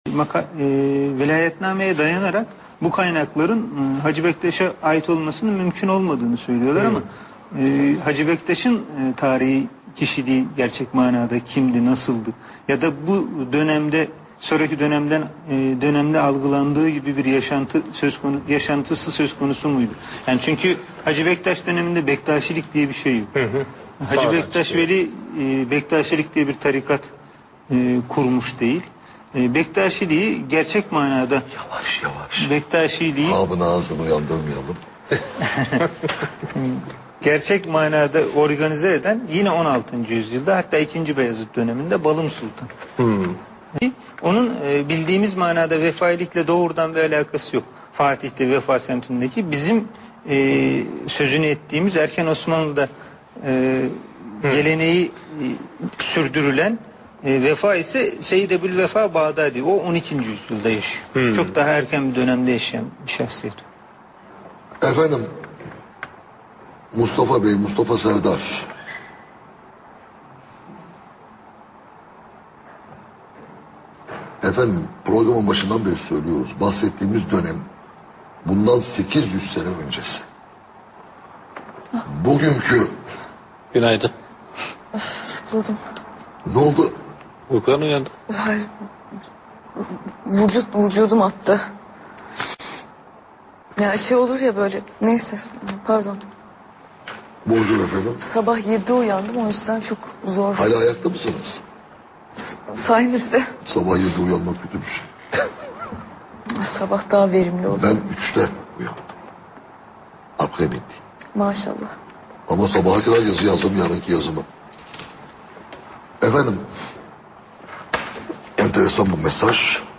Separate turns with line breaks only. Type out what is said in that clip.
Velayetnameye dayanarak bu kaynakların Hacı Bektaş'a ait olmasının mümkün olmadığını söylüyorlar ama Hacı Bektaş'ın tarihi kişiliği gerçek manada kimdi, nasıldı ya da bu dönemde sonraki dönemde algılandığı gibi bir yaşantısı söz konusu muydu? Yani çünkü Hacı Bektaş döneminde Bektaşilik diye bir şey yok. Hacı Bektaş Veli Bektaşilik diye bir tarikat kurmuş değil. Bektaşiliği gerçek manada
Yavaş.
Bektaşiliği
Abın ağzını uyandırmayalım.
gerçek manada organize eden yine 16. yüzyılda, hatta 2. Beyazıt döneminde Balım Sultan. Onun bildiğimiz manada vefailikle doğrudan bir alakası yok. Fatih'te, Vefa semtindeki bizim sözünü ettiğimiz erken Osmanlı'da geleneği sürdürülen Vefa ise Seyyid Ebu'l-Vefa Bağdadi. O 12. yüzyılda yaşıyor. Çok daha erken bir dönemde yaşayan bir şahsiyet.
Efendim, Mustafa Bey, Mustafa Serdar. Efendim, programın başından beri söylüyoruz. Bahsettiğimiz dönem bundan 800 sene öncesi. Bugünkü...
Günaydın.
Sıkladım.
Ne oldu?
Uykudan uyandım.
Hayır. Vücudum attı. Ya şey olur ya böyle. Neyse. Pardon.
Bonjour efendim.
Sabah 7'de uyandım. O yüzden çok zor.
Hala ayakta mısınız?
Sayenizde.
Sabah 7'de uyanmak kötü bir şey.
Sabah daha verimli olur.
Ben 3'te uyandım. Après-midi.
Maşallah.
Ama sabaha kadar yazı yazdım, yarınki yazımı. Efendim, enteresan bu mesaj.